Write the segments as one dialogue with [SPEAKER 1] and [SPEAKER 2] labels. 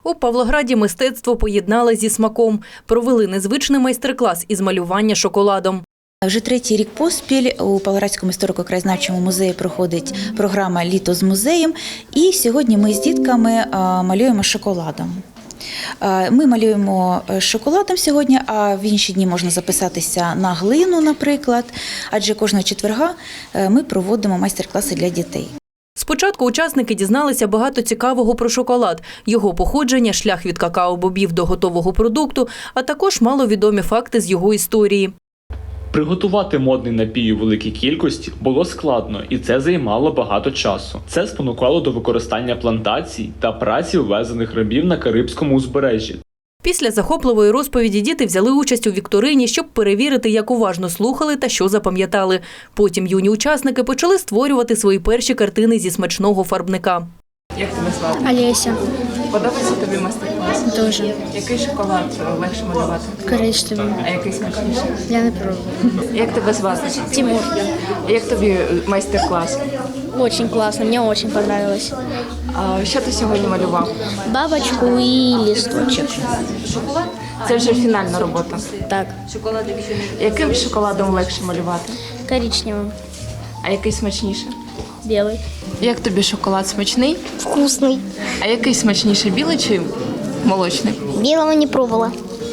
[SPEAKER 1] У Павлограді мистецтво поєднали зі смаком. Провели незвичний майстер-клас із малювання шоколадом.
[SPEAKER 2] Вже третій рік поспіль у Павлоградському історико-краєзнавчому музеї проходить програма «Літо з музеєм». І сьогодні ми з дітками малюємо шоколадом. Ми малюємо шоколадом сьогодні, а в інші дні можна записатися на глину, наприклад. Адже кожного четверга ми проводимо майстер-класи для дітей.
[SPEAKER 1] Спочатку учасники дізналися багато цікавого про шоколад, його походження, шлях від какао-бобів до готового продукту, а також маловідомі факти з його історії.
[SPEAKER 3] Приготувати модний напій у великій кількості було складно, і це займало багато часу. Це спонукало до використання плантацій та праці ввезених рабів на Карибському узбережжі.
[SPEAKER 1] Після захопливої розповіді діти взяли участь у вікторині, щоб перевірити, як уважно слухали та що запам'ятали. Потім юні учасники почали створювати свої перші картини зі смачного фарбника.
[SPEAKER 4] Як тебе звати?
[SPEAKER 5] Олеся.
[SPEAKER 4] Подобається тобі майстер-клас?
[SPEAKER 5] Дуже.
[SPEAKER 4] Який шоколад легше малювати?
[SPEAKER 5] Коричневий.
[SPEAKER 4] А який смачніший?
[SPEAKER 5] Я не пробовала.
[SPEAKER 4] Як тебе звати?
[SPEAKER 5] Тимур.
[SPEAKER 4] Як тобі майстер-клас?
[SPEAKER 5] Очень классно, мне очень понравилось.
[SPEAKER 4] А що ти сьогодні малював?
[SPEAKER 5] Бабочку и листочек.
[SPEAKER 4] Це вже фінальна робота.
[SPEAKER 5] Так,
[SPEAKER 4] Яким шоколадом легше малювати?
[SPEAKER 5] коричневым,
[SPEAKER 4] А який смачніший?
[SPEAKER 5] белый.
[SPEAKER 4] Як тобі шоколад смачний?
[SPEAKER 6] Вкусный.
[SPEAKER 4] А який смачніший, білий чи молочний?
[SPEAKER 6] Белого не пробовала.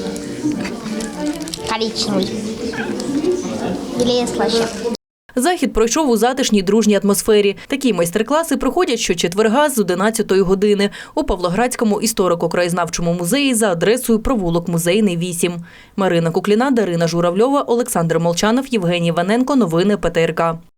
[SPEAKER 6] Коричневый. Белее слаще.
[SPEAKER 1] Захід пройшов у затишній дружній атмосфері. Такі майстер-класи проходять щочетверга з 11-ї години у Павлоградському історико-краєзнавчому музеї за адресою провулок Музейний, 8. Марина Кукліна, Дарина Журавльова, Олександр Молчанов, Євгеній Ваненко. Новини ПТРК.